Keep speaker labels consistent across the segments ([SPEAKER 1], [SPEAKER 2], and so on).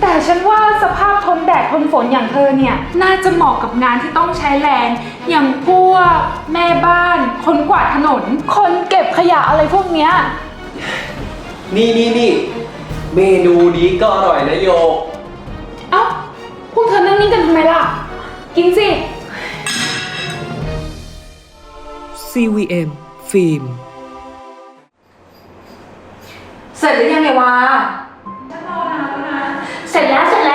[SPEAKER 1] แต่ฉันว่าสภาพทนแดดทนฝนอย่างเธอเนี่ยน่าจะเหมาะกับงานที่ต้องใช้แรงอย่างพวกแม่บ้านคนกวาดถนนคนเก็บขยะอะไรพวกเนี้ย
[SPEAKER 2] นี่เมนูนี้ก็อร่อยนะโยก
[SPEAKER 1] เอ้าพวกเธอนั่งนิ่งกันทำไมล่ะกินสิ
[SPEAKER 3] CVM ฟิล์ม
[SPEAKER 4] เสร็จหรือยังไงวะ
[SPEAKER 1] ฉันรอนานแล้วนะเสร็จแล้ว
[SPEAKER 4] ฉันเสร็จ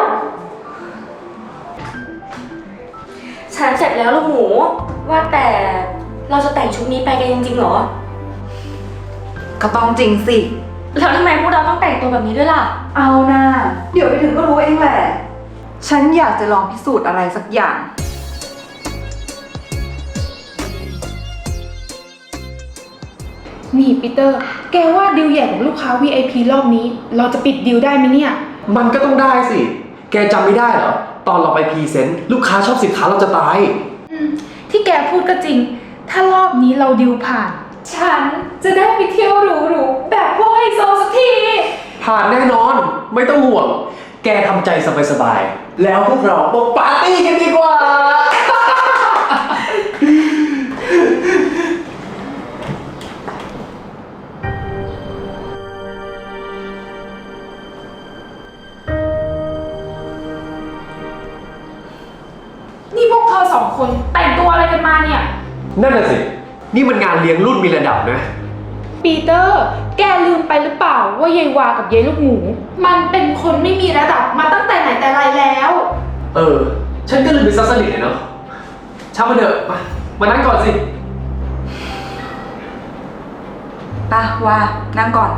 [SPEAKER 4] แล้วลูกหมูว่าแต่เราจะแต่งชุดนี้ไปกันจริงๆเหรอ
[SPEAKER 5] ก็ต้องจริงสิ
[SPEAKER 4] แล้วทำไมพวกเราต้องแต่งตัวแบบนี้ด้วยล่ะ
[SPEAKER 5] เอานะเดี๋ยวไปถึงก็รู้เองแหละฉันอยากจะลองพิสูจน์อะไรสักอย่าง
[SPEAKER 1] นี่ปีเตอร์แกว่าดีลใหญ่ของลูกค้า VIP รอบนี้เราจะปิดดีลได้ไหมเนี่ย
[SPEAKER 2] มันก็ต้องได้สิแกจำไม่ได้เหรอตอนเราไปพรีเซนต์ลูกค้าชอบสินค้าเราจะตาย
[SPEAKER 1] ที่แกพูดก็จริงถ้ารอบนี้เราดีลผ่านฉันจะได้ไปเที่ยวหรูๆแบบพวกไฮโซสักที
[SPEAKER 2] ผ่านแน่นอนไม่ต้องห่วงแกทำใจสบายๆแล้วพวกเรามาปาร์ตี้กันดีกว่า
[SPEAKER 1] นี่พวกเธอสองคนแต่งตัวอะไรกันมาเนี่ย
[SPEAKER 2] นั่นน่ะสินี่มันงานเลี้ยงรุ่นมีระดับนะ
[SPEAKER 1] ปีเตอร์แกลืมไปหรือเปล่าว่ายายวากับยายลูกหมูมันเป็นคนไม่มีระดับมาตั้งแต่ไหนแต่ไรแล้ว
[SPEAKER 2] ฉันก็ลืมไปซะสนิทเลยเนาะช่างมันเถอะมานั่งก่อนสิ
[SPEAKER 5] ป่ะว่านั่งก่อน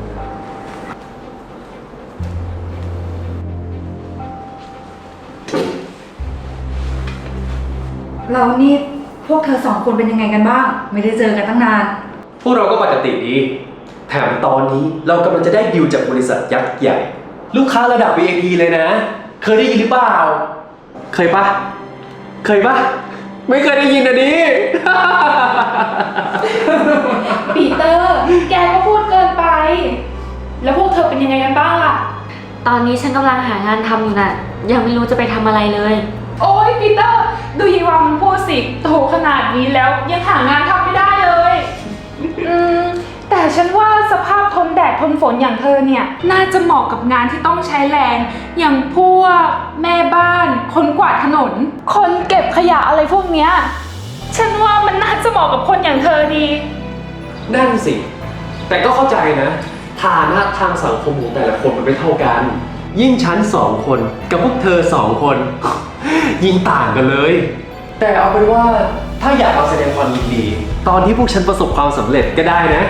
[SPEAKER 5] เรานี่พวกเธอสองคนเป็นยังไงกันบ้างไม่ได้เจอกันตั้งนาน
[SPEAKER 2] พวกเราก็ปกติดีแถมตอนนี้เรากำลังจะได้ดิวจากบริษัทยักษ์ใหญ่ลูกค้าระดับ VIP เลยนะเคยได้ยินหรือเปล่าเคยปะไม่เคยได้ยินนะดิ
[SPEAKER 1] ปีเตอร์แกก็พูดเกินไปแล้วพวกเธอเป็นยังไงกันบ้างล่ะ
[SPEAKER 4] ตอนนี้ฉันกำลังหางานทำอยู่น่ะยังไม่รู้จะไปทำอะไรเลย
[SPEAKER 1] โอ๊ยปีเตอร์ดูยีวามันพูดสิโตขนาดนี้แล้วยังหางานทำไม่ได้เลยแต่ฉันว่าสภาพทนแดดทนฝนอย่างเธอเนี่ยน่าจะเหมาะกับงานที่ต้องใช้แรงอย่างพวกแม่บ้านคนกวาดถนนคนเก็บขยะอะไรพวกเนี้ยฉันว่ามันน่าจะเหมาะกับคนอย่างเธอดี
[SPEAKER 2] นั่นสิแต่ก็เข้าใจนะฐานะทางสังคมของแต่ละคนมันไม่เท่ากันยิ่งฉัน2 คนกับพวกเธอ2 คน ยิ่งต่างกันเลยแต่เอาเป็นว่าถ้าอยากมาแสดงความยินดีตอนที่พวกฉันประสบความสำเร็จก็ได้นะ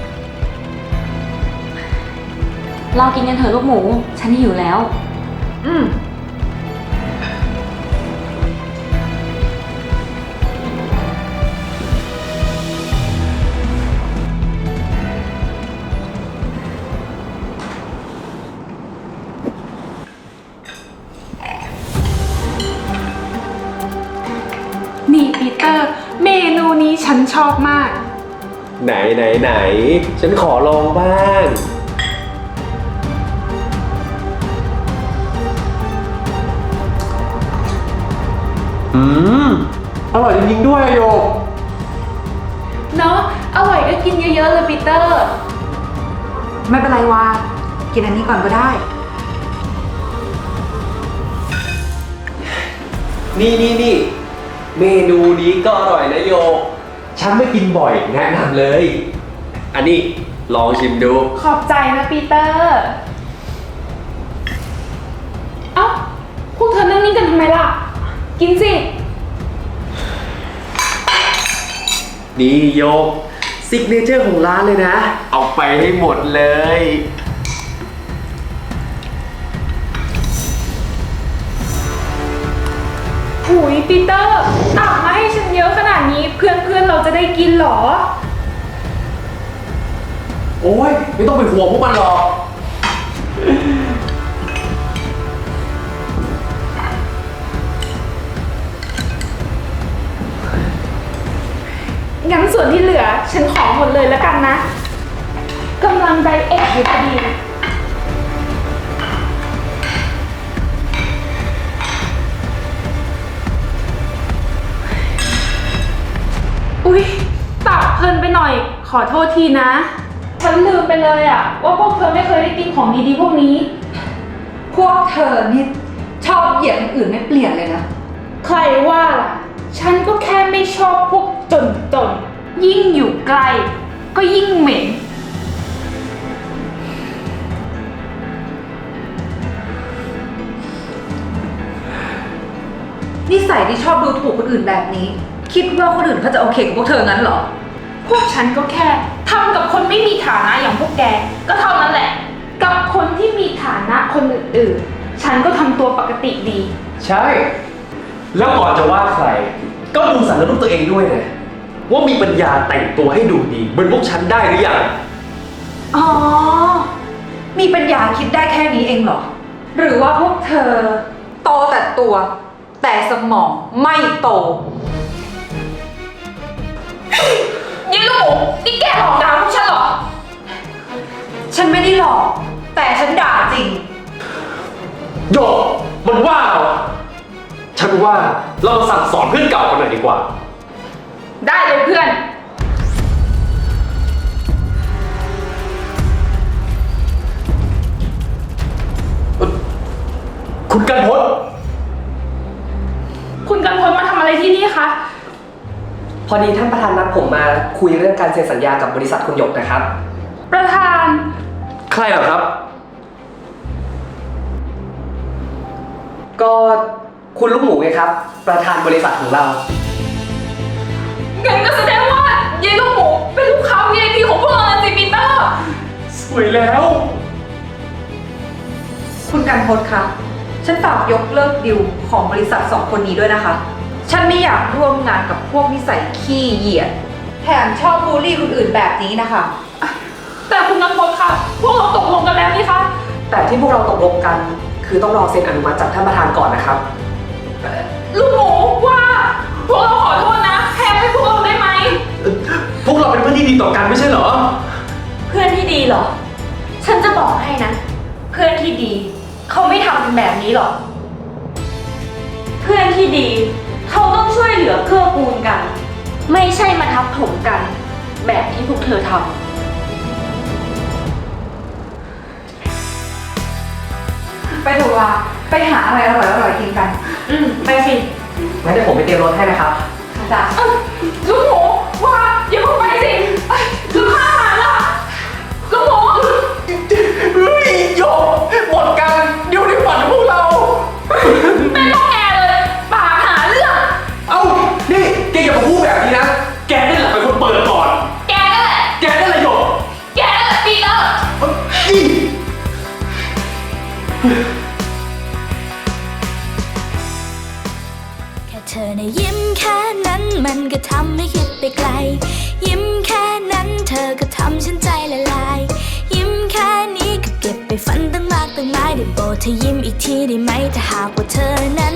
[SPEAKER 4] เรากินกันเถอะลูกหมูฉันหิวแล้ว
[SPEAKER 1] นี่ปีเตอร์เมนูนี้ฉันชอบมาก
[SPEAKER 2] ไหนฉันขอลองบ้างอร่อยจริงๆด้วยโยก
[SPEAKER 1] เนาะอร่อยก็กินเยอะๆเลยปีเตอร์
[SPEAKER 5] ไม่เป็นไรวากินอันนี้ก่อนก็ได้
[SPEAKER 2] นี่เมนูนี้ก็อร่อยนะโยกฉันไม่กินบ่อยแนะนำเลยอันนี้ลองชิมดู
[SPEAKER 1] ขอบใจนะปีเตอร์เอ้าพวกเธอนั่งนิ่งกันทำไมล่ะกินสิ
[SPEAKER 2] นี่โยกซิกเนเจอร์ของร้านเลยนะเอาไปให้หมดเลย
[SPEAKER 1] หุยปีเตอร์ตักมาให้ฉันเยอะขนาดนี้เพื่อนเราจะได้กินหรอ
[SPEAKER 2] โอ้ยไม่ต้องไปห่วงพวกมันหรอก
[SPEAKER 1] งั้นส่วนที่เหลือฉันขอหมดเลยแล้วกันนะกำลังไดเอทอยู่พอดีอโทษทีนะ ฉันลืมไปเลยอะว่าพวกเธอไม่เคยได้กินของดีๆพวกนี้
[SPEAKER 5] พวกเธอนี่ชอบเหยียดคนอื่นไม่เปลี่ยนเลยนะ
[SPEAKER 1] ใครว่าล่ะ ฉันก็แค่ไม่ชอบพวกจนๆยิ่งอยู่ใกล้ก็ยิ่งเหม็น
[SPEAKER 5] นิสัยที่ชอบดูถูกคนอื่นแบบนี้ คิดว่าคนอื่นเขาจะโอเคกับพวกเธองั้นเหรอ
[SPEAKER 1] พวกฉันก็แค่ทำกับคนไม่มีฐานะอย่างพวกแก ก็เท่านั้นแหละ กับคนที่มีฐานะคนอื่นๆ ฉันก็ทำตัวปกติดี
[SPEAKER 2] ใช่ แล้วก่อนจะว่าใคร ก็ดูสารรูปตัวเองด้วยนะว่ามีปัญญาแต่งตัวให้ดูดีเหมือนพวกฉันได้หรือยัง
[SPEAKER 5] อ๋อ มีปัญญาคิดได้แค่นี้เองเหรอ หรือว่าพวกเธอโตแต่ตัว แต่สมองไม่โต
[SPEAKER 1] ยี่ลูกหมูนี่แกหลอกด่าพวกฉันเหรอ
[SPEAKER 5] ฉันไม่ได้หลอก แต่ฉันด่าจริง
[SPEAKER 2] โยกมันว่าเหรอฉันว่าเรามาสั่งสอนเพื่อนเก่ากันหน่อยดีกว่า
[SPEAKER 1] ได้เลยเพื่อน
[SPEAKER 2] คุณกันพศ
[SPEAKER 1] คุณกันพลมาทำอะไรที่นี่คะ
[SPEAKER 6] พอดีท่านประธานนัดผมมาคุยเรื่องการเซ็นสัญญากับบริษัทคุณหยกนะครับ
[SPEAKER 1] ประธาน
[SPEAKER 2] ใครเหรอครับ
[SPEAKER 6] ก็คุณลูกหมูไงครับ ประธานบริษัทของเรา
[SPEAKER 1] งั้นก็แสดงว่าเยายลูกหมูเป็นลูกค้า VIP ของพวกเรานะสิปีเตอร์
[SPEAKER 2] สวยแล้ว
[SPEAKER 5] คุณกันพศคะ ฉันฝากยกเลิกดิวของบริษัทสองคนนี้ด้วยนะคะ ฉันไม่อยากร่วมงานกับพวกนิสัยขี้เหยียด แถมชอบบูลลี่คนอื่นแบบนี้นะคะ
[SPEAKER 1] แต่คุณกันพลค่ะ พวกเราตกลงกันแล้วนี่คะ
[SPEAKER 6] แต่ที่พวกเราตกลงกัน คือต้องรอเซ็นอนุมัติจากท่านประธานก่อนนะครับ
[SPEAKER 1] ลูกหมูว่า พวกเราขอโทษนะแทนให้พวกเราได้ไหม
[SPEAKER 2] พวกเราเป็นเพื่อนที่ดีต่อกันไม่ใช่เหรอ
[SPEAKER 4] เพื่อนที่ดีเหรอ ฉันจะบอกให้นะ เพื่อนที่ดี เขาไม่ทำกันแบบนี้หรอก เพื่อนที่ดี เขาต้องช่วยเหลือเกื้อกูลกัน ไม่ใช่มาทับถมกัน แบบที่พวกเธอทำ
[SPEAKER 5] ไปเถอะว่าไปหาอะไรอร่อยๆกินกัน
[SPEAKER 1] ไปสิ
[SPEAKER 6] งั้นเดี๋ยวผมไปเตรียมรถให้นะครับ
[SPEAKER 5] ค่ะจ้ะ
[SPEAKER 1] ลูกหมูว่าอย่าเพิ่งไปสิลูกค้าหาล่ะลูกหมู
[SPEAKER 2] เฮ้ยโยกหมดกันเดี๋ยวในฝันของพวกเรา
[SPEAKER 1] เป็นพวกแกเลยปากหาเรื่อง
[SPEAKER 2] เอ้า นี่แกอย่ามาพูดแบบนี้นะ แกนี่แหละเป็นคนเปิดก่อน
[SPEAKER 1] แกนั่นแหละ
[SPEAKER 2] แกนั่นแหละโยก
[SPEAKER 1] แกนั่นแหละปีเตอร์
[SPEAKER 2] อี
[SPEAKER 7] แค่เธอในะยิ้มแค่นั้นมันก็ทำให้คิดไปไกล ยิ้มแค่นั้นเธอก็ทำฉันใจละลาย ยิ้มแค่นี้ก็เก็บไปฝันตั้งมากตั้งหลายได้โปรดเธอยิ้มอีกทีได้ไหมถ้าหากว่าเธอนั้น